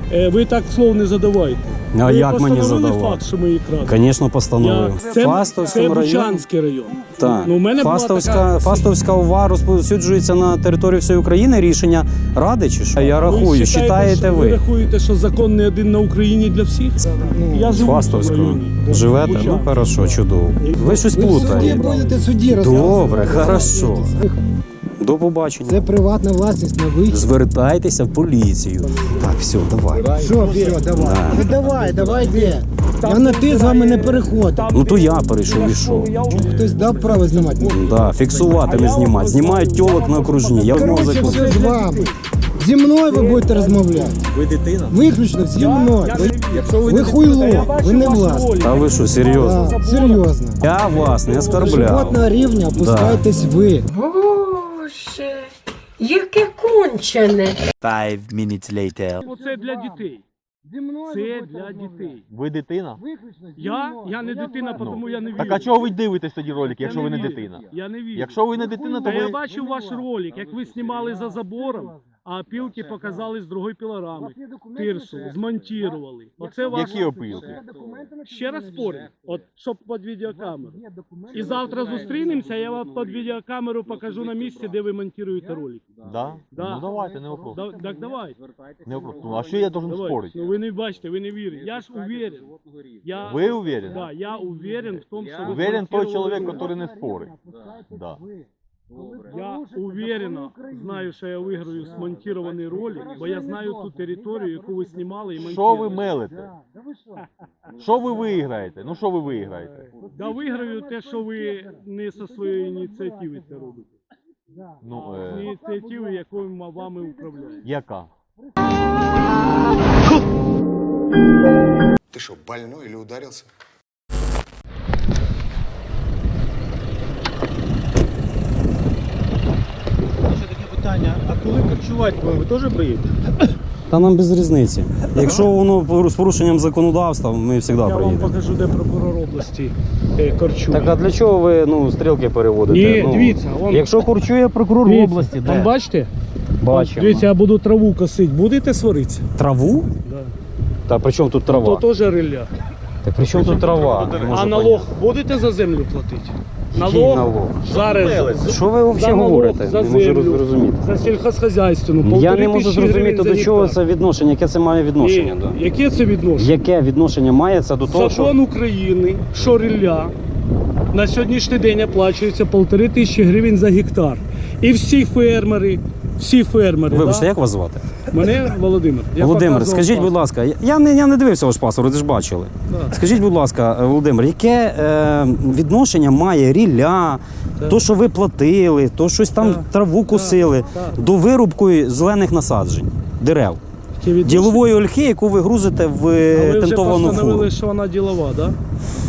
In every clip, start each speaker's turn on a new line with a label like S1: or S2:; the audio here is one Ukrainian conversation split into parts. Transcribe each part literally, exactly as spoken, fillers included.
S1: Ви так слов не задавайте.
S2: А
S1: ви
S2: як мені задавати?
S1: Факт, що ми її крадемо?
S2: Звісно, постановив.
S1: Це,
S2: Фастовський
S1: це
S2: район.
S1: Бучанський район.
S2: Так.
S1: Ну, у мене
S2: Фастовська,
S1: така...
S2: Фастовська ОВА розповсюджується на території всієї України. Рішення Ради чи що? Я рахую,
S1: ви
S2: вважаєте ви.
S1: Ви рахуєте, що закон не один на Україні для всіх?
S2: Ну,
S1: я живу
S2: Фастовського.
S1: в районі.
S2: Живете?
S1: Бучанський.
S2: Ну, хорошо, чудово. Ви щось плутаєте.
S3: Ви будете судді
S2: Добре, хорошо. До побачення.
S3: Це приватна власність на вихід.
S2: Звертайтеся в поліцію. Так, все, давай.
S3: Що, вперед, давай.
S2: Да.
S3: Ну давай, давай, де? Я на ти з вами не переходив.
S2: Ну то я перейшов і що?
S3: Хтось дав право знімати?
S2: Да, фіксувати, не знімати. Знімають тьолок на окружні. Я знову
S3: Коротше,
S2: закон.
S3: все з вами. Зі мною ви будете розмовляти.
S4: Ви дитина?
S3: Виключно зі мною. Ви,
S4: Якщо ви
S3: ви хуйло, ви не власні.
S2: Та ви що, серйозно?
S3: Так, серйозно.
S2: Я вас не
S3: До
S2: оскорбляв.
S3: животного рівня опускаєтесь ви.
S5: Боже, яке кончене.
S4: Five minutes later.
S1: Оце для дітей. Це для дітей.
S4: Ви дитина?
S1: Я? Я не дитина, тому я не вірю.
S4: Так а чого ви дивитесь тоді ролик, якщо
S1: Я
S4: ви не
S1: вірю.
S4: дитина?
S1: Я не вірю.
S4: Якщо ви не дитина, то
S1: Та я
S4: ви...
S1: бачив ваш ролик, як ви знімали за забором, а опілки показали з другої пілорами. Тирсу, змонтували. Оце ваш...
S4: Які опилки?
S1: Ще раз спорю, от щоб під відеокамеру. І завтра зустрінемося, я вам під відеокамеру покажу на місці, де ви монтуєте ролик.
S4: Да?
S1: Да.
S4: Ну давайте, не вопрос.
S1: Да, так давай.
S4: Не вопрос. Ну а що я должен
S1: Давай.
S4: спорити?
S1: Ну ви не бачите, ви не вірите. Я ж уверен. Я...
S4: Ви уверены?
S1: Да, я уверен в том, что вы
S4: Уверен той
S1: смонтировали
S4: чоловік,
S1: ролик.
S4: який не спорить. Да.
S1: Я уверенно знаю, що я виграю смонтирований ролик, бо я знаю ту територію, яку ви знімали і
S4: Що ви
S1: монтували.
S4: мелите? Що ви виграєте? Ну що ви виграєте?
S1: Да виграю те, що ви не зі своєї ініціативи це робите.
S4: Ну,
S1: З
S4: е...
S1: ініціативи, якою ми вами управляємо.
S4: яка?
S6: Ты что, больной или ударился?
S7: Ще таке питання, а коли харчувати ви теж приїдете?
S2: Та нам без різниці. Якщо воно з порушенням законодавства, ми завжди
S1: Я вам
S2: приїдемо.
S1: покажу, де прокурор області е, корчує.
S2: Так а для чого ви ну, стрілки переводите?
S1: Ні,
S2: ну,
S1: дивіться, вон-
S2: Якщо курчує прокурор
S1: Дивіться,
S2: області,
S1: там
S2: де?
S1: бачите?
S2: Бачимо.
S1: Дивіться, я буду траву косити. Будете сваритися?
S2: Траву?
S1: Да.
S2: Та при чому тут трава?
S1: То теж риля.
S2: Так при чому тут трава? Не можу
S1: А налог будете за землю платити?
S2: Який налог?
S1: Зараз.
S2: Що ви
S1: За
S2: взагалі
S1: налог,
S2: говорите?
S1: за
S2: Не можу
S1: землю,
S2: зрозуміти.
S1: за сільхозхозяйственну.
S2: Я
S1: полтори
S2: не можу
S1: тисячі
S2: зрозуміти,
S1: гривень
S2: до
S1: за
S2: чого
S1: гектар.
S2: це відношення, яке це має відношення.
S1: Ні,
S2: Да?
S1: яке це відношення?
S2: Яке відношення має це до того, що...
S1: Закон України, що риля на сьогоднішній день оплачується полтори тисячі гривень за гектар. І всі фермери, всі фермери.
S2: Вибачте,
S1: да?
S2: як вас звати?
S1: Мене Володимир. Я
S2: Володимир,
S1: показував
S2: скажіть, будь
S1: паспорт.
S2: ласка, я не, я не дивився ваш паспорт, ви ж бачили.
S1: Да.
S2: Скажіть, будь ласка, Володимир, яке е, відношення має рілля, то, що ви платили, то щось там
S1: Так.
S2: траву косили,
S1: Так.
S2: до вирубки зелених насаджень, дерев,
S1: Яке відношення?
S2: ділової ольхи, яку ви грузите в
S1: А
S2: е,
S1: ви вже
S2: тентовану фуру.
S1: постановили, що вона ділова, так? Да?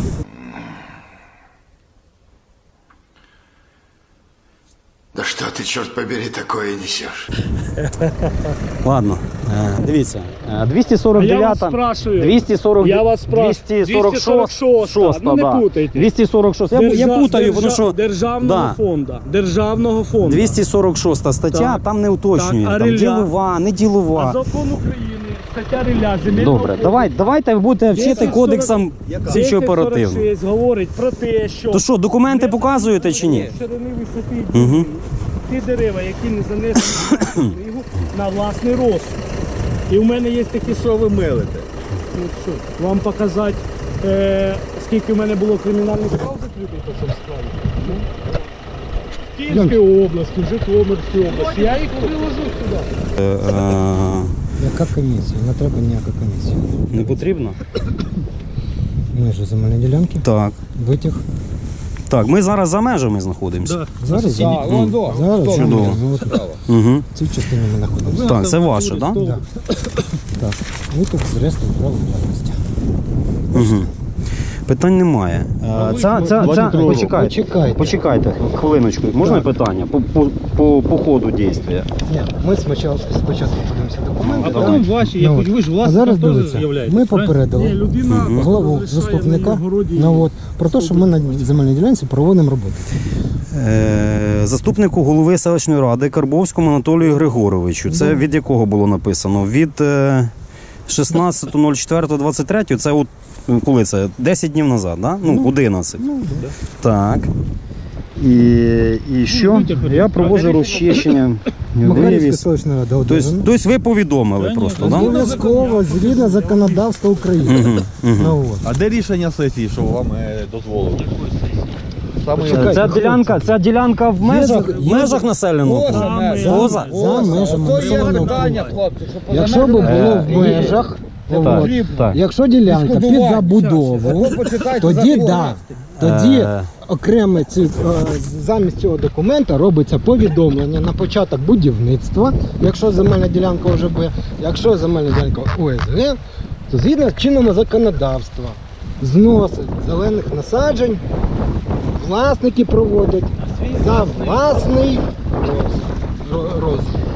S6: Да что ты, черт побери, такое несешь?
S2: Ладно, е, дивіться, е, двісті
S1: А
S2: сорок
S1: я вас
S2: дев'ята,
S1: спрашиваю.
S2: двісті сорок,
S1: Я вас спрашиваю.
S2: двісті сорок шоста,
S1: Ну не
S2: да.
S1: путайте.
S2: двісті сорок шоста. Я, я
S1: Держа-
S2: путаю, воно
S1: держа-
S2: що...
S1: Державного
S2: Да.
S1: фонду. Державного фонду.
S2: двісті сорок шоста стаття,
S1: Так.
S2: там не уточнює,
S1: Так, а
S2: там
S1: риля?
S2: ділова, не
S1: А
S2: ділова.
S1: закон України, стаття риля, земельного
S2: Добре,
S1: фонду.
S2: давай, давайте ви будете вчити
S1: десять
S2: кодексам слідчо оперативно.
S1: десять сорок шість говорить про те, що...
S2: То що, документи показуєте чи ні?
S1: Ширини висоти
S2: Угу.
S1: ті дерева, які не занесені в книгу, на власний розсуд. І в мене є такі, що ви мелите. Ну, що, вам показати, е, скільки в мене було кримінальних справ закритих по цьому справі? Ну, в Київській області, в Житомирській області. Я їх приложу сюди.
S2: Е, е,
S3: Яка комісія? Не треба ніяка комісія.
S2: не потрібно?
S3: Межі земельної ділянки,
S2: Так.
S3: витяг.
S2: Так, ми зараз за межами знаходимося.
S1: Да.
S3: Зараз
S2: М,
S3: Зараз
S2: Чудово.
S3: ну, от
S2: Угу.
S3: в цій частині ми знаходимося.
S2: Так, це ваше, так? Да?
S3: Да. Так. Витяг з реєстру права власності.
S2: Угу. Питань немає. Е, Ця, ця, ця, почекайте,
S3: Почекайте.
S2: почекайте, хвилиночку. Можна питання по, по, по, по ходу дії?
S3: Ні, ми спочатку, спочатку подивимося документи.
S7: А
S2: давай.
S7: потім ваші, як
S3: Ну, от.
S7: ви ж
S3: А
S7: власником
S3: зараз
S7: теж
S3: дивіться,
S7: являєтесь,
S3: ми
S7: правильно?
S1: Ні,
S3: попередили
S1: людина
S3: главу
S1: розрішає
S3: заступника
S1: на городі.
S3: ну, от, про те, що ми на земельній ділянці проводимо роботу.
S2: Е, заступнику голови селищної ради Карбовському Анатолію Григоровичу. Це від якого було написано? Від е, шістнадцятого четвертого двадцять третього, це от коли це? десять днів назад, да? Ну, одинадцять.
S3: Ну,
S2: Так. І, і що? Я провожу розчищення,
S3: Макарівська
S2: вивіз.
S3: селищна рада
S2: Тобто,
S3: одержана.
S2: тобто ви повідомили просто, так? Да?
S3: Обов'язково згідно законодавства України.
S2: Мгм, мгм.
S3: Ну, от.
S4: А де рішення сесії, що вам е, дозволили? Саме
S3: Почекайте.
S2: Ця ділянка, ця ділянка в межах, в
S3: є-
S2: межах населеного пункту? Поза?
S3: За межами населеного пункту.
S4: хлопці, що
S3: Якщо б було в межах, от,
S2: так.
S3: якщо ділянка під забудову, тоді да. Тоді
S2: Е.
S3: окремо ці, е, замість цього документа робиться повідомлення на початок будівництва, якщо земельна ділянка вже буде, якщо земельна ділянка О С Г, то згідно з чинного законодавства знос зелених насаджень власники проводять за власний роз, роз,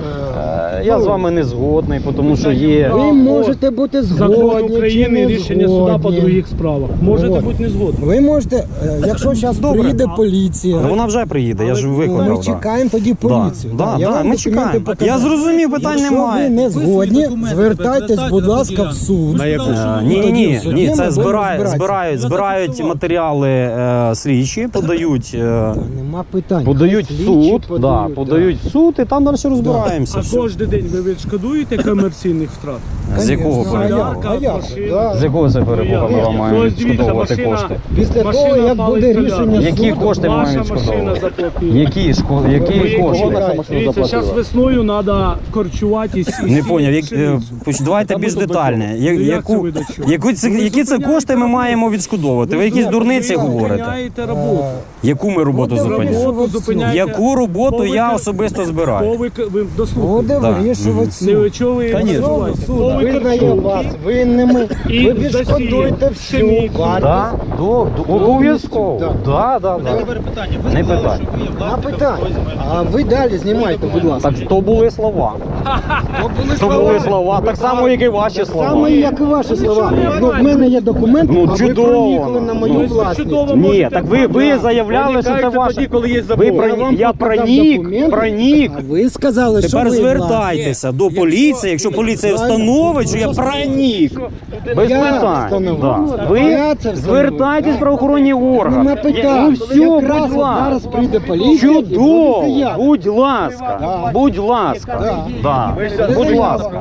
S3: е,
S2: Я з вами не згодний, тому що є.
S3: ви можете бути
S1: Закон
S3: згодні чи
S1: України,
S3: не
S1: рішення суда по
S3: згодні.
S1: других справах. Можете
S3: Вот.
S1: бути не згодні.
S3: Ви можете, е, якщо зараз
S2: Добре.
S3: приїде поліція,
S2: Ну, вона вже приїде, я ж
S3: ми
S2: викликав. да.
S3: чекаємо тоді поліцію.
S2: Да,
S3: Я
S2: да,
S3: вам
S2: ми
S3: документи
S2: чекаємо.
S3: покажу.
S2: Я зрозумів, питань
S3: Якщо
S2: немає.
S3: ви не згодні, звертайтесь, будь ласка, в суд.
S2: Е, Ні, ні,
S3: Тоді
S2: ні,
S3: в суді
S2: ні,
S3: ми
S2: це
S3: будемо
S2: збирають,
S3: розбиратися.
S2: збирають, збирають матеріали е, слідчі, подають, е,
S3: Та Нема питань.
S2: подають
S3: Хай
S2: в
S3: слідчі
S2: суд, да,
S3: подають,
S2: подають в суд і там далі розбираємося.
S1: А
S2: Все.
S1: кожен день ви відшкодуєте комерційних втрат?
S2: З якого
S3: Конечно, а
S2: перепугу?
S3: як? А як?
S1: Машина.
S3: Да.
S2: З якого це перепугу ми вам маємо
S1: Ось дивіться,
S2: відшкодовувати
S1: машина-
S2: кошти?
S3: Після
S1: Машина
S3: того, як
S1: палить
S3: буде
S1: солярку.
S3: рішення
S2: Які
S3: суду,
S2: кошти ми
S1: Ваша
S2: маємо
S1: машина
S2: відшкодовувати?
S1: заплатила.
S2: Які, шко- які
S1: Ви-
S2: кошти?
S1: Дивіться, зараз весною треба корчуватись. і
S2: Не
S1: сіяти
S2: поняв, як, е,
S1: пшеницю.
S2: поч- давайте більш детально. Я-
S1: Ну, як це
S2: Яку,
S1: ви до чого?
S2: яку це, які це кошти ми маємо відшкодовувати? Ви якісь дурниці
S1: Ви
S2: говорите?
S1: зупиняєте роботу.
S2: Яку ми роботу зупиняємо?
S1: Роботу зупиняєте.
S2: Яку роботу
S1: Бо ви
S2: я
S1: кер-
S2: особисто
S1: Бо
S2: збираю?
S1: ви, к- ви дослухайте.
S3: буде
S2: Так.
S3: вирішувати
S1: Не
S3: суд.
S1: ви чого ви
S2: Конечно.
S1: називаєте?
S3: Суд
S1: Бо ви
S3: визнає
S1: корчуєте.
S3: вас винними,
S1: І
S3: ви відшкодуєте
S1: засіє
S3: всю
S1: пшеницю.
S3: вартість.
S2: Да, до, до, обов'язково.
S3: Так.
S2: Да, да, да.
S7: Тепер питання. Ви
S2: Не
S7: сказали,
S2: питання.
S7: що ви є
S3: На
S7: власником
S3: питання.
S7: тої земельної
S3: А ви далі знімайте, будь ласка.
S2: Так то були слова. То були слова, так само, як і ваші слова.
S3: Саме як і ваші слова. Ну, в мене є документ,
S2: Ну,
S3: а ви
S2: чудово.
S3: проникли на мою
S2: Ну,
S3: власність.
S1: чудово.
S2: Ні, так ви, ви заявляли, що це
S1: Проникайте
S2: ваше.
S1: тоді, коли є
S2: Ви
S1: забор.
S2: про-
S3: Я вам
S2: я
S3: показав
S2: пронік,
S3: документи,
S2: пронік.
S3: А ви сказали, що
S2: Тепер
S3: ви
S2: звертайтеся до поліції, якщо поліція встановить, що я пронік. Без
S3: Я
S2: питань.
S3: встановив.
S2: Да. Ви
S3: Я це встановив.
S2: звертайтесь в правоохоронні органи.
S3: Нема питань.
S2: Ну все,
S3: Якраз
S2: будь
S3: от
S2: ласка.
S3: зараз прийде поліція і буде
S2: Чудово,
S3: заява.
S2: будь ласка,
S3: Да.
S2: будь ласка, да. будь ласка.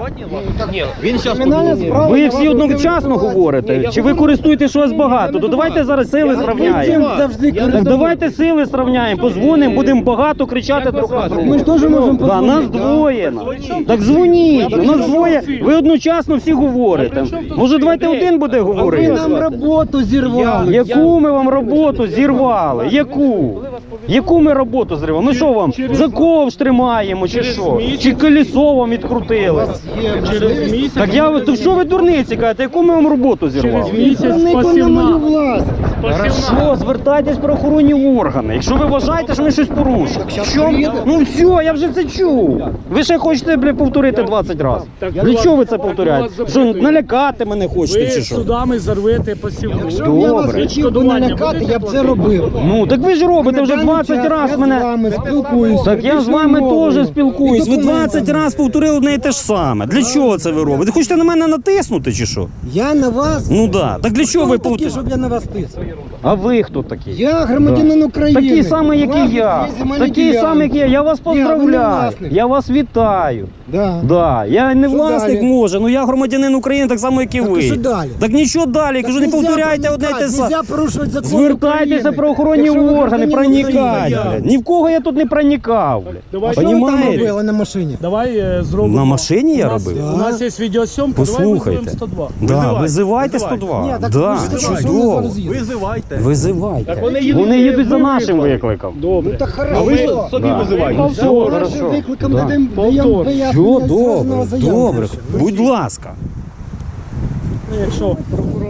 S7: Він зараз
S3: Кримінальна справа
S2: Ви
S3: на
S2: всі
S3: вас
S2: одночасно
S3: буде
S2: говорите, чи ви користуєтесь, що вас багато, то давайте зараз сили
S3: Ви
S2: зрівняємо.
S3: цим завжди
S2: Так
S3: користуєтесь.
S2: давайте сили зрівняємо, позвонимо, будемо багато кричати друг на друга.
S3: Ми ж теж можемо
S2: Да, нас
S3: позвонити, да?
S2: двоє. Так дзвоніть, у нас двоє, ви одночасно всі говорите. Може давайте один буде
S3: Ви
S2: говорити?
S3: нам роботу зірвали.
S2: Яку ми вам роботу зірвали? Яку? Яку ми роботу зривали? Ми що вам за ковш тримаємо чи що? Чи колесо вам відкрутили?
S3: Є
S1: Через
S3: можливість.
S1: місяць.
S2: Так я то що ви дурниці кажете, яку ми вам роботу
S1: Через
S2: зірвали?
S1: місяць
S3: Проникли на мою
S1: спасівна.
S3: власність.
S2: Хорошо, звертайтесь в правоохоронні органи. Якщо ви вважаєте, що ми щось порушили. Що? Ну все, я вже це чув. Ви ще хочете, бля, повторити двадцять разів.
S1: Так,
S2: Для
S1: будь
S2: чого ви
S1: ласка,
S2: це
S1: я
S2: повторяєте?
S1: вас
S2: Що
S1: запитую.
S2: налякати мене хочете
S1: Ви
S2: чи що?
S1: судами зарвете посівну.
S3: Якщо б я вас
S2: Добре.
S3: хотів би налякати, я б це робив.
S2: Ну так ви ж робите вже
S3: На даний
S2: двадцять
S3: час
S2: разів
S3: я
S2: мене.
S3: з вами спілкуюся.
S2: Так я з вами
S3: мовою.
S2: теж спілкуюсь.
S3: І
S2: Ви
S3: документами.
S2: двадцять разів повторили одне і те ж саме. Для чого це ви робите? Хочете на мене натиснути чи що?
S3: Я на вас.
S2: Ну да. Так для чого ви
S3: Хто такі,
S2: повторюєте?
S3: щоб я на вас тиснув?
S2: А ви хто такі?
S3: Я громадянин України.
S2: Такі самі, як і
S3: Власник
S2: я.
S3: цієї земельної
S2: Такі
S3: ділянки.
S2: самі, як і я. Я вас
S3: Ні, ви не
S2: поздравляю.
S3: власник.
S2: Я вас вітаю.
S3: Да.
S2: Да, я не
S3: Що
S2: власник
S3: далі?
S2: може, ну я громадянин України так само, як і
S3: Так,
S2: ви.
S3: і що далі?
S2: Так нічого далі,
S3: Так
S2: кажу, не
S3: нельзя
S2: повторяйте одне й те
S3: проникати,
S2: саме.
S3: нельзя порушувати закон
S2: Звертайтеся
S3: України.
S2: в правоохоронні
S3: Якщо ви
S2: органи,
S3: громадянин
S2: проникайте.
S3: України.
S2: блядь. Ні в кого я тут не проникав. блядь.
S1: Давай,
S3: А що ви там
S2: Понімаєте?
S3: робили на машині?
S1: Давай е, зробимо.
S2: На машині я
S1: У нас-
S2: робив?
S1: У нас є відеосйомка,
S2: Послухайте.
S1: давай визовемо сто два.
S2: Да,
S1: Визивай.
S2: визивайте
S1: Визивай.
S2: сто два.
S3: Ні, так
S2: Да,
S3: ви ж сказали, що
S2: чудово.
S3: вони зараз їдуть.
S4: Визивайте.
S2: Визивайте.
S1: вони їдуть,
S2: Вони їдуть за
S1: ми
S2: нашим
S1: викликали.
S2: викликом.
S1: Добре.
S3: Так
S4: А ви
S3: хорошо.
S4: ж собі
S2: Да.
S4: визивайте.
S3: За
S2: Все,
S3: вашим
S2: хорошо.
S3: викликом
S2: Да.
S3: даємо
S1: Повтор.
S3: даємо
S2: Все
S3: пояснення.
S2: добре,
S3: заяву
S2: добре.
S3: напишемо.
S2: Будь ласка.
S1: Якщо прокурор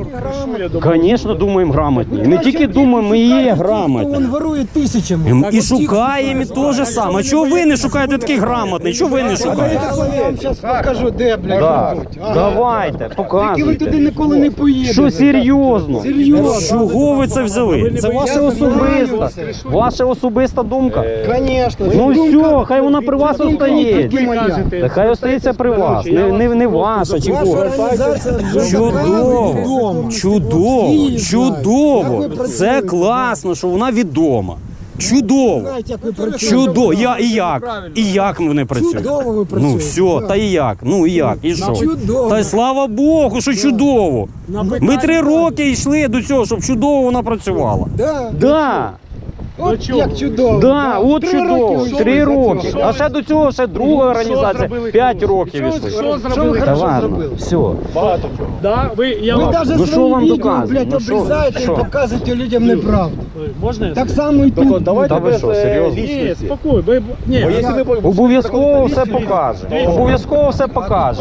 S1: крышу, я думаю.
S2: Звісно, думаємо грамотні. І не тільки думаємо, ми і є
S3: Він
S2: грамотні.
S3: ворує тисячами.
S2: І шукаємо і те ж саме. А чого ви не шукаєте таких грамотних? Чого ви не шукаєте?
S3: Я вам зараз покажу, де, блядь,
S2: Так,
S3: живуть. Ага.
S2: давайте,
S3: Тільки ви
S2: показуйте.
S3: туди ніколи не поїдете.
S2: Що серйозно?
S3: Серйозно.
S2: Чого ви це взяли? Це ваша особиста, ваша особиста думка.
S3: Конечно.
S2: Ну все, хай вона при вас остається. Та хай остається при вас, не, не, не ваша чи
S3: Ваша
S2: кого.
S3: організація вже
S2: Чудово,
S3: відома.
S2: чудово,
S3: Всі
S2: чудово.
S3: знають. Як ви
S2: Це
S3: працюєте?
S2: класно, що вона відома. Чудово.
S3: Знаєте, як ви працюєте.
S2: Чудово. Я і як? І як вони працюють?
S3: Чудово ви
S2: Ну
S3: працюєте.
S2: все, та і як? Ну і як? І що?
S3: Чудово.
S2: Та й слава Богу, що чудово. Ми три роки йшли до цього, щоб чудово вона працювала.
S3: Да.
S2: Да.
S3: От як чудово.
S2: Да, от
S3: Три
S2: чудово,
S3: роки
S2: три
S3: йшли за
S2: роки.
S3: цього.
S2: А ще до цього ще друга організація, п'ять років
S1: Що,
S2: йшли.
S1: що
S3: Що
S1: зробили?
S3: ви
S2: Та
S3: хорошо
S2: ладно,
S3: зробили?
S2: все.
S1: Багато чого. Да, ви, я
S3: Ви
S1: вам...
S3: навіть
S2: Ну, що
S3: свої
S2: вам
S3: відео,
S2: доказує?
S3: блядь,
S2: Ну, що?
S3: обрізаєте і
S2: Що?
S3: показуєте людям неправду.
S1: Ой, Можна я
S3: Так само і тут.
S2: Та ви що, серйозно?
S1: Ні, спокій. Ви... Ні, я...
S2: Обов'язково все покаже. Обов'язково все покаже.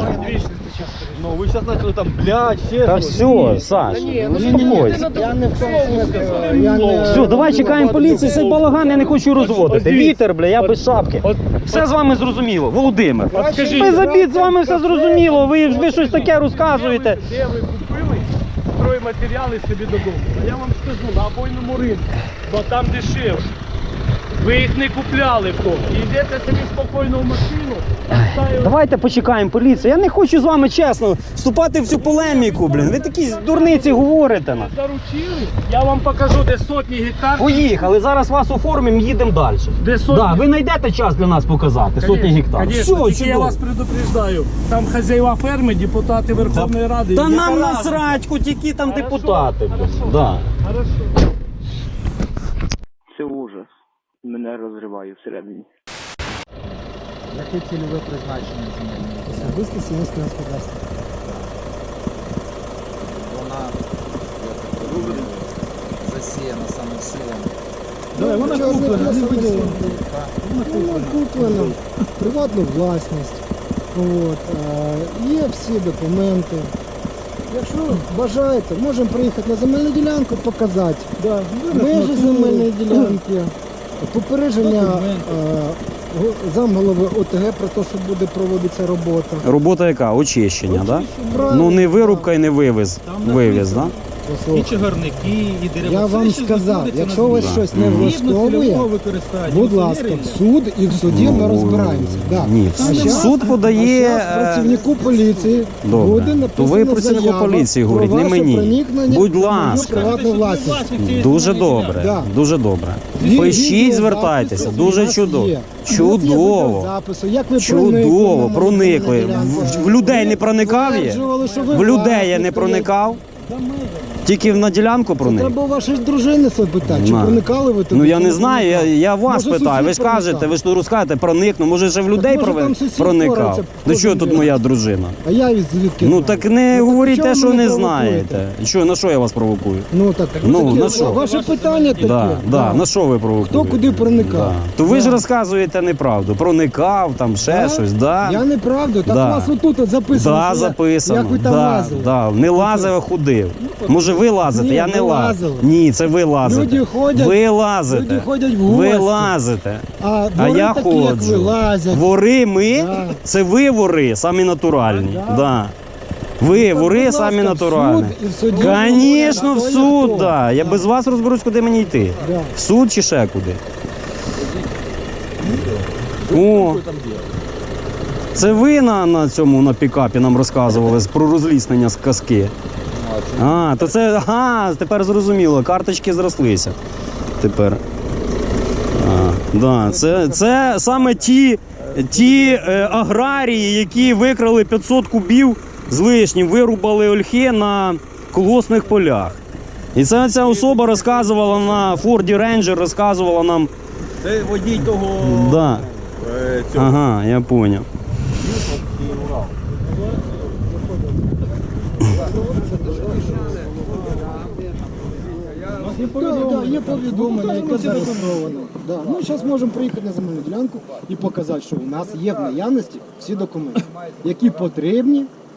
S7: Ну, ви зараз почали там, блядь, ще
S2: Та
S7: щось.
S2: все, Саш, ну успокойся.
S3: Я не в тому смислі. Я не...
S2: Все, давай чекаємо поліції, цей балаган я не хочу розводити. Вітер, бля, я без шапки. Все з вами зрозуміло, Володимир.
S1: скажіть,
S2: Без обід з вами все зрозуміло, ви, ви щось таке розказуєте.
S1: Де ви купили стройматеріали собі додому? А я вам скажу, на обойному ринку, бо там дешевше. Ви їх не купляли в тому. І йдете собі спокійно в машину, ставите-
S2: Давайте почекаємо поліцію. Я не хочу з вами чесно вступати в цю полеміку, блін. Ви такі дурниці говорите нам.
S1: заручили, я вам покажу, де сотні гектар.
S2: Поїхали, зараз вас оформимо, їдемо далі.
S1: Де сотні?
S2: Да, ви знайдете час для нас показати, сотні гектар.
S1: Конечно,
S2: Все,
S1: тільки я
S2: чудово.
S1: вас предупреждаю. Там хазяїва ферми, депутати Верховної Ради.
S2: Та
S1: не
S2: нам
S1: порадили.
S2: насрать, хоч які там
S1: Хорошо,
S2: депутати. блін.
S1: хорошо.
S2: Да.
S1: Хорошо.
S8: Це ужас. Мене розриває всередині.
S7: Яке цільове призначення земельної ділянки?
S3: Особисто сільське господарство.
S9: Вона, я так розумію, засіяна саме силами.
S3: Да, вона куплена, не виділена. Вона куплена, приватну власність. От, е, є всі документи. Якщо бажаєте, можемо приїхати на земельну ділянку, показати межі земельної ділянки, попередження е, го- замголови ОТГ про те, що буде проводитися робота.
S2: Робота яка? Очищення, так?
S3: Правильно.
S2: Ну не вирубка і не вивіз.
S7: Там
S2: Вивіз, так?
S7: І
S3: Послухайте,
S7: чагарники, і дерева.
S3: я
S7: Все,
S3: вам
S7: що
S3: сказав,
S7: знаходиться
S3: якщо
S7: на
S3: вас
S7: землі.
S3: щось не
S2: Мгм.
S3: влаштовує,
S7: Цільового використання,
S3: будь ласка,
S7: інженерії.
S3: в суд і в суді ми розбираємося. Да.
S2: Ні,
S3: А щас-
S2: суд подає.
S3: а щас працівнику поліції
S2: Добре.
S3: буде
S2: То
S3: написана
S2: ви працівнику
S3: заява
S2: поліції
S3: про
S2: говоріть, не
S3: ваше
S2: мені.
S3: проникнення
S2: Будь
S3: в мою
S2: ласка.
S3: приватну власність.
S7: Власник цієї
S2: Дуже
S7: земельної
S2: добре,
S3: Да.
S2: дуже добре.
S3: Ві-
S2: Пишіть,
S3: відеозапис
S2: звертайтеся,
S3: у
S2: дуже
S3: нас
S2: чудово.
S3: є. У нас є
S2: Чудово.
S3: відеозаписи, як ви
S2: Чудово,
S3: проникли на
S2: проникли.
S3: земельну ділянку.
S2: В- в людей не проникав є?
S3: Стверджували, що ви
S2: В людей я
S3: власник,
S2: не
S3: то
S2: проникав. Тільки на ділянку проник.
S3: Треба у вашої дружини це питати, чи
S2: На.
S3: проникали ви туди?
S2: Ну я
S3: чи
S2: не знаю, я,
S3: проникали?
S2: я вас
S3: Може,
S2: питаю. Ви ж
S3: сусід
S2: кажете,
S3: проникав?
S2: ви ж тут розкажете, проникну. Може, ще в людей
S3: може,
S2: прове-
S3: там сусід
S2: проникав.
S3: бореться,
S2: До
S3: хто
S2: чого
S3: там
S2: тут
S3: є?
S2: моя дружина?
S3: А я від звідки?
S2: Ну
S3: знаю?
S2: так не
S3: Ну,
S2: говоріть
S3: чого
S2: те,
S3: ви
S2: що
S3: мене
S2: не
S3: провокуєте?
S2: знаєте. Що, на що я вас провокую?
S3: Ну так,
S2: Ну,
S3: таке,
S2: на що?
S3: Ваше питання таке.
S2: Да, да, на що ви провокуєте?
S3: Хто куди проникав?
S2: Да. То ви ж
S3: Да.
S2: розказуєте неправду. Проникав, там ще
S3: Да?
S2: щось, да?
S3: Я неправду, так
S2: Да.
S3: у вас отут от записано.
S2: Да,
S3: що я-
S2: записано.
S3: Як ви там
S2: да,
S3: лазили.
S2: да. Не лазив, а ходив. Може ви лазите,
S3: Ні,
S2: я
S3: ви
S2: не лазив.
S3: лазили.
S2: Ні, це ви лазите.
S3: Люди ходять-
S2: ви лазите.
S3: люди ходять в
S2: Ви
S3: гості.
S2: лазите.
S3: А,
S2: А
S3: двори
S2: я
S3: такі, як ви,
S2: ходжу.
S3: лазять.
S2: Вори ми,
S3: Да.
S2: це ви вори, самі натуральні.
S3: Да.
S2: Да. Ви
S3: Так,
S2: вори
S3: будь
S2: самі
S3: ласка, в
S2: натуральні.
S3: суд і в суді
S2: Звісно, в
S3: говорять,
S2: суд,
S3: хто.
S2: да. Я
S3: Да.
S2: без вас розберусь, куди мені йти.
S3: Да.
S2: В суд чи ще куди? О, це ви на, на цьому на пікапі нам розказували про розліснення з казки. А, то це, ага, тепер зрозуміло, карточки зрослися. Тепер. А, да, це, це саме ті, ті е, аграрії, які викрали п'ятсот кубів з лишнім, вирубали ольхи на колгоспних полях. І це ця особа розказувала на Форді Рейнджер, розказувала нам.
S7: Це водій того...
S2: Да.
S7: е, цього.
S2: Ага, я поняв.
S3: Да, да, є повідомлення, яке зареєстровано. Да. Ми зараз можемо приїхати на земельну ділянку і показати, що у нас є в наявності всі документи, які потрібні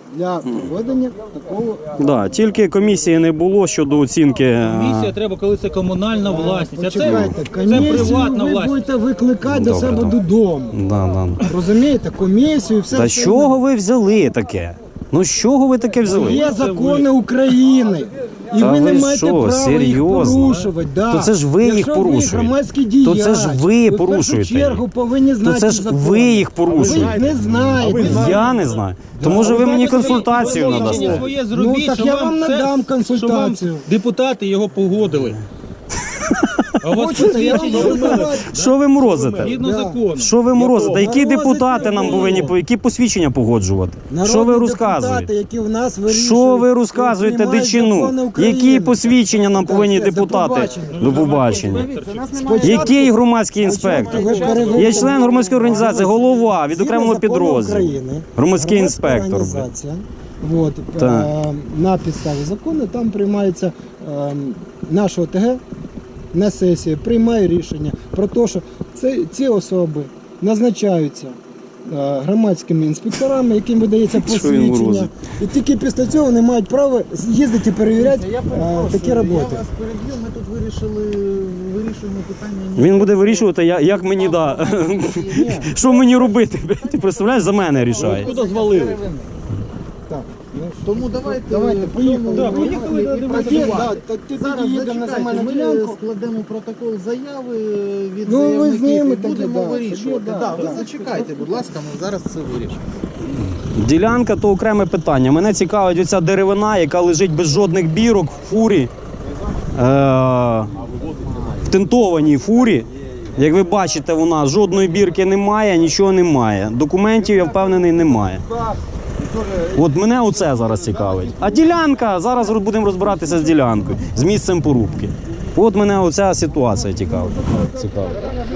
S3: для проведення такого.
S2: Да, тільки комісії не було щодо оцінки. а,
S7: Комісія треба, коли це комунальна власність. А це,
S3: Почекайте,
S7: це
S3: комісію
S7: приватна
S3: ви
S7: власність.
S3: будете викликати до
S2: Добре,
S3: себе
S2: добре.
S3: додому.
S2: Да, да.
S3: Розумієте, комісію і все.
S2: Та з
S3: все
S2: чого ви взяли таке? Ну з чого ви таке взяли?
S3: Є закони України. І
S2: Та
S3: ви не
S2: ви
S3: маєте
S2: що,
S3: права
S2: серйозно?
S3: їх порушувати. Да.
S2: То це ж ви їх
S3: Якщо
S2: порушуєте.
S3: Ви громадський діяч,
S2: То це ж ви
S3: в
S2: порушуєте
S3: першу чергу
S2: їх.
S3: повинні
S2: То
S3: знати
S2: це ж
S3: закони.
S2: ви їх
S3: Ви
S2: порушуєте.
S3: їх не знаєте.
S2: Я не знаю. То може ви мені консультацію
S7: Свідчення
S2: надасте?
S7: своє зробіть,
S3: Ну, так
S7: що
S3: я вам
S7: це-
S3: надам
S7: що
S3: консультацію.
S7: вам депутати його погодили. А у вас
S3: Хочете, я вам
S7: посвідчення
S3: буду давати.
S2: Що ви морозите?
S7: згідно
S3: Да.
S7: закону.
S2: Що ви морозите? Які
S3: Морозите
S2: депутати нам
S3: ви.
S2: повинні по- які посвідчення погоджувати?
S3: Народні
S2: Що ви
S3: депутати,
S2: розказуєте?
S3: які в нас вирішують,
S2: Що ви
S3: і
S2: розказуєте
S3: приймають
S2: дичину?
S3: закони України.
S2: Які посвідчення нам
S3: Так,
S2: повинні
S3: все, до
S2: депутати?
S3: побачення.
S2: До побачення.
S3: Спочатку-
S2: Який громадський інспектор?
S3: Ви перевиконуєте
S2: Я член громадської організації, голова від
S3: Згідно
S2: окремого
S3: закону
S2: підрозділу.
S3: України,
S2: Громадський
S3: громадська
S2: інспектор.
S3: організація, от,
S2: Так.
S3: е, на підставі закону там приймається е, наша ОТГ на сесії, приймає рішення про те, що це, ці особи назначаються е, громадськими інспекторами, яким видається
S2: Що він
S3: посвідчення.
S2: морозить?
S3: І тільки після цього вони мають право їздити і перевіряти
S9: Я
S3: е,
S9: перепрошую,
S3: такі
S9: я
S3: роботи.
S9: вас переб'ю, ми тут вирішили, вирішуємо питання.
S2: Він буде вирішувати, я- як мені да. Що мені робити? Ти представляєш, за мене рішає.
S7: Куди звалили?
S3: Так, ну,
S9: Тому давайте,
S3: давайте, поїхали.
S7: Да, поїхали, да,
S3: Тоді,
S7: давайте.
S3: да, так ти
S9: Зараз
S3: тоді їдемо на
S9: зачекайте,
S3: земельну
S9: ми
S3: ділянку.
S9: складемо протокол заяви від
S3: Ну, ви
S9: заявників
S3: з ними
S9: і
S3: тоді,
S9: будемо
S3: да,
S9: вирішувати.
S3: тоді,
S9: Да,
S3: да,
S9: ви
S3: да.
S9: зачекайте, будь ласка, ми зараз це вирішимо.
S2: Ділянка то окреме питання. Мене цікавить оця деревина, яка лежить без жодних бірок в фурі. Е- в тентованій фурі. Як ви бачите, вона жодної бірки немає, нічого немає. Документів, я впевнений, немає. От мене оце зараз цікавить. А ділянка, зараз будемо розбиратися з ділянкою, з місцем порубки. От мене оця ситуація цікавить. Цікавить.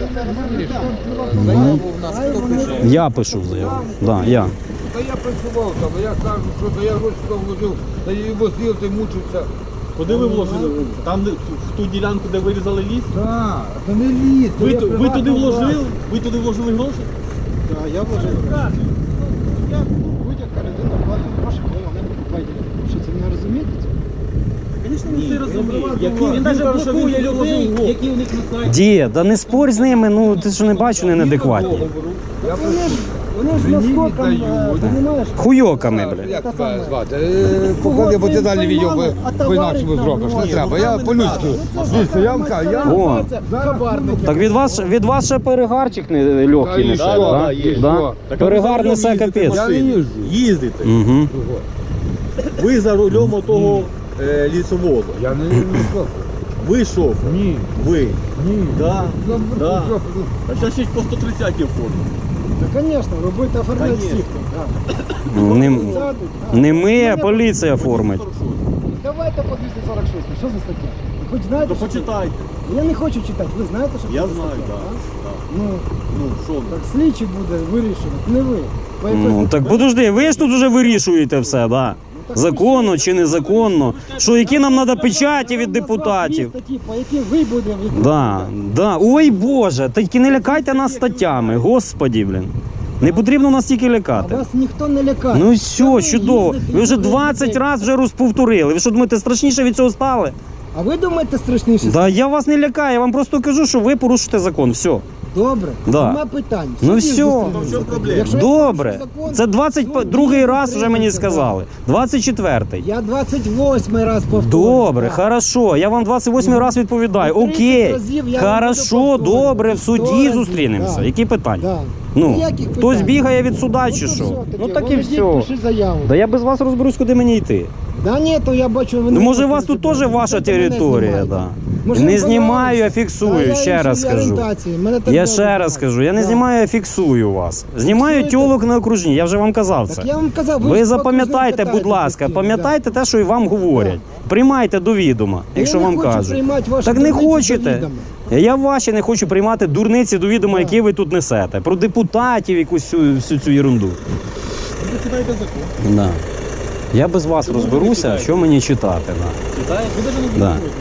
S9: Заяву в нас хто пише?
S2: Я пишу заяву. Да, я.
S10: Та я працював там, я кажу, що та я гроші там вложив, та я його з'їв, та й мучився.
S7: Куди ви вложили? Там, де- в ту ділянку, де вирізали ліс?
S10: Так, та не ліс.
S7: Ви, ту- ви туди вложили? Ви туди вложили гроші?
S3: Так, я вважаю. Я будь-яка людина платить гроші, коли вона покупає ділянку. Що це не розумієте?
S7: Звісно, він це розуміє. Він навіть блокує людей, які у них на сайті.
S2: Дід, да не спорь з ними, ну ти що не бачу, вони неадекватні.
S3: Вони ж, вони ж наскоком, е, понімаєш?
S2: Хуйоками, бля.
S10: Як тебе звати? Е, Поклади, бо ти далі відео по- по-інакшому зробиш. Не треба, я по-людськи. Дивіться, я вам кажу, я...
S2: О, так від вас, від вас ще перегарчик не легкий
S10: Та і
S2: несе,
S10: що?
S2: да?
S10: Да, є.
S2: Да? Перегар несе капець.
S10: Я не їжджу.
S7: Їздите.
S2: Угу.
S7: Ви за рулем отого е, лісовозу.
S10: Я не їжджу.
S7: Ви шофер?
S10: Ні.
S7: Ви?
S10: Ні.
S7: Да. Да.
S10: Що?
S7: А зараз ще й по сто тридцятій формі.
S3: Ну, звісно, робити оформляти
S7: Конечно.
S3: всіх. Так.
S2: Не,
S3: Сядуть, а.
S2: не ми, а поліція формить.
S3: Давайте по двісті сорок шість. Що за стаття? Ви хоч знаєте,
S7: То
S3: що це?
S7: почитайте.
S3: Я не хочу читати. Ви знаєте, що
S7: Я
S3: це за
S7: знаю,
S3: стаття?
S7: так.
S3: а? Ну,
S7: Ну, що ви?
S3: так слідчий буде вирішувати, не ви. По якось
S2: Ну, так подожди, ви ж тут вже вирішуєте все, да? Законно чи незаконно. Що, які нам треба печаті від депутатів?
S3: Статті, по яким ви будете відповідати.
S2: Да, да. Ой Боже, тільки не лякайте нас статтями, господі, блін. Не потрібно нас тільки
S3: А
S2: лякати.
S3: вас ніхто не лякає.
S2: Ну
S3: Що
S2: все, чудово.
S3: їздите
S2: Ви вже
S3: і
S2: двадцять
S3: їздите?
S2: разів вже розповторили. Ви що думаєте, страшніше від цього стали?
S3: А ви думаєте страшніше?
S2: Да я вас не лякаю, я вам просто кажу, що ви порушите закон. Все.
S3: Добре,
S2: Да.
S3: нема питань.
S2: Ну
S3: Суді
S2: все.
S3: зустрінемося
S7: В чому
S3: тоді.
S7: проблема?
S3: Якщо я
S2: Добре.
S3: порушив закон,
S2: Це двадцять
S3: суді
S2: другий раз вже мені
S3: зустрінемося,
S2: сказали. двадцять четвертий.
S3: да. Я двадцять восьмий раз повторюю.
S2: Добре,
S3: да.
S2: хорошо. Я вам двадцять восьмий раз відповідаю.
S3: Ну, тридцять
S2: Окей.
S3: разів я вам
S2: Хорошо,
S3: буду повторювати.
S2: добре, в
S3: сто
S2: суді
S3: разів,
S2: зустрінемося.
S3: да.
S2: Які питання?
S3: Да.
S2: Ну,
S3: Ніяких
S2: хтось
S3: питань.
S2: бігає від суда
S3: Ну,
S2: чи
S3: то
S2: що?
S3: все
S2: Ну
S3: таки.
S2: так і
S3: Володіть,
S2: все.
S3: пиши заяву.
S2: Да я без вас розберусь, куди мені йти.
S3: Да ні, то я бачу, ви
S2: Ну
S3: не
S2: може у
S3: хочете
S2: вас тут
S3: знімати.
S2: теж ваша
S3: Це мене
S2: територія,
S3: знімаєте.
S2: да.
S3: Може,
S2: Не
S3: ви
S2: знімаю, а
S3: боялись?
S2: фіксую,
S3: Та я
S2: ще раз
S3: іншої
S2: скажу.
S3: орієнтації, мене так
S2: Я
S3: добре
S2: ще раз
S3: знають.
S2: скажу, я не
S3: Да.
S2: знімаю, а фіксую вас. Знімаю
S3: Фіксуєте?
S2: тьолок на окружні, я вже вам казав це.
S3: Так я вам казав, ви,
S2: Ви
S3: ж
S2: запам'ятайте,
S3: покажіть,
S2: будь ласка,
S3: постійно,
S2: пам'ятайте те, що і вам говорять. Приймайте до відома, якщо
S3: я не
S2: вам
S3: хочу
S2: кажуть.
S3: приймати ваші
S2: Так не
S3: дурниці до
S2: хочете.
S3: відома.
S2: Я ваші не хочу приймати дурниці до відома,
S3: Да.
S2: які ви тут несете. Про депутатів, якусь всю, всю цю ерунду.
S7: Ви читаєте закон.
S2: Да. Я без вас розберуся, що мені читати. Да.
S7: Читаєте? Ви навіть не
S2: Да.
S7: блокуєте.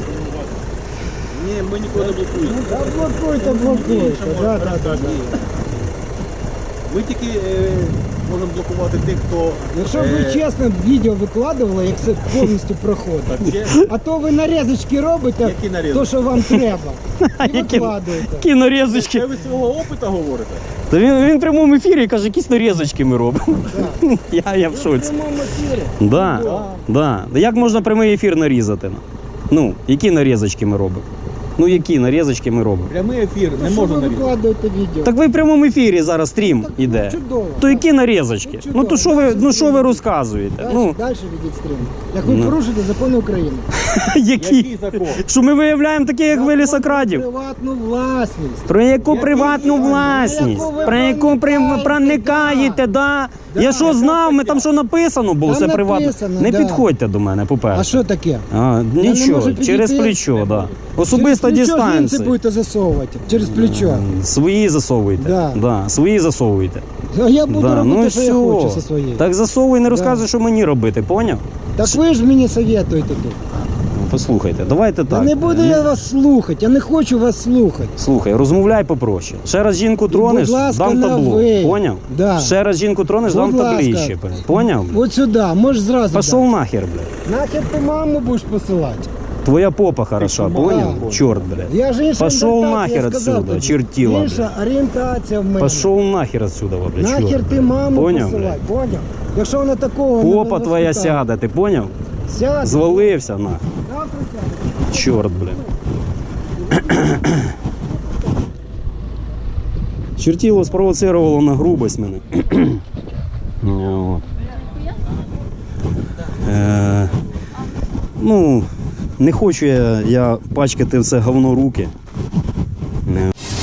S7: Ні, ми ніколи не блокуємо.
S3: Да, блокуйте, блокуйте. Да, да, да, да.
S7: Ми тільки е, можемо блокувати тих, хто...
S3: Якщо б
S7: Е.
S3: ви чесно відео викладували, як це повністю проходить.
S7: Так, чесно.
S3: А то ви нарізочки робите,
S7: Які нарізочки?
S3: то, що вам треба. І
S2: Які-
S3: викладуєте.
S2: Які нарізочки.
S7: Це ви свого опиту говорите?
S2: Та він, він в прямому ефірі каже, якісь нарізочки ми робимо. Я, я в
S3: В
S2: шоці.
S3: прямому ефірі.
S2: Да, да. Як можна прямий ефір нарізати? Ну, які нарізочки ми робимо? Ну, які нарізочки ми робимо?
S7: Прямий ефір
S3: То
S7: не
S3: що
S7: можна
S3: ви
S7: нарізати.
S3: викладуєте відео?
S2: Так ви в прямому ефірі зараз стрім іде.
S3: Чудово.
S2: То які нарізочки?
S3: Ну,
S2: Ну то що ви,
S3: чудово.
S2: ну що ви розказуєте?
S3: Далі,
S2: Ну,
S3: далі ведіть стрім. Як ви
S2: Ну.
S3: порушите закони України.
S2: які?
S7: Який закон?
S2: Що ми виявляємо таких як ви
S3: Закон
S2: лісокрадів?
S3: про приватну власність.
S2: Про яку
S3: Який
S2: приватну
S3: закон?
S2: власність?
S3: Яку ви
S2: Про яку при-
S3: проникаєте,
S2: проникаєте, да?
S3: Да,
S2: Я що
S3: яка
S2: знав, ми там що написано було,
S3: Там
S2: це приватно.
S3: написано,
S2: Не
S3: да.
S2: підходьте до мене,
S3: А
S2: по-перше.
S3: що таке?
S2: А,
S3: не
S2: нічого,
S3: можу підійти?
S2: через плечо, да. Особиста
S3: Через плечо
S2: дистанція.
S3: жінці будете засовувати. Через плечо.
S2: Свої засовуйте.
S3: Да.
S2: Да, свої засовуйте.
S3: А я буду
S2: Да,
S3: робити,
S2: ну
S3: що
S2: все.
S3: я хочу зі своєю.
S2: Так засовуй, не
S3: Да.
S2: розказуй, що мені робити, поняв?
S3: Так ви ж мені советуєте тут.
S2: Ну, Послухайте, давайте
S3: Та
S2: так.
S3: не буду я вас слухати, я не хочу вас слухати.
S2: Слухай, розмовляй попроще. Ще раз жінку тронеш,
S3: будь ласка,
S2: дам
S3: на
S2: табло.
S3: ви.
S2: Поняв?
S3: Да.
S2: Ще раз жінку тронеш,
S3: Будь
S2: дам
S3: ласка.
S2: таблище. Поняв?
S3: От сюди, можеш зразу.
S2: Пішов
S3: дати.
S2: нахер, блядь.
S3: Нахер ти маму будеш посилати.
S2: Твоя попа хороша,
S7: Ти
S2: поняв?
S3: Да.
S2: Чорт, блядь.
S3: Я ж інша
S2: Пошов
S3: орієнтація,
S2: нахер
S3: я сказав
S2: отсюда,
S3: тобі.
S2: чертила,
S3: Інша орієнтація в мене.
S2: Пошов нахер отсюда, блядь,
S3: Нахер
S2: чорт.
S3: ти маму
S2: Поняв,
S3: посилай, поняв? Якщо вона такого не
S2: Попа твоя
S3: воспитала.
S2: сяде, ти поняв?
S3: Сяде.
S2: Звалився нахер.
S3: Завтра сяде.
S2: Чорт, блядь. Чертіло спровоцировало на грубость мене. От. Е, ну, не хочу я, я пачкати в це говно руки. Е,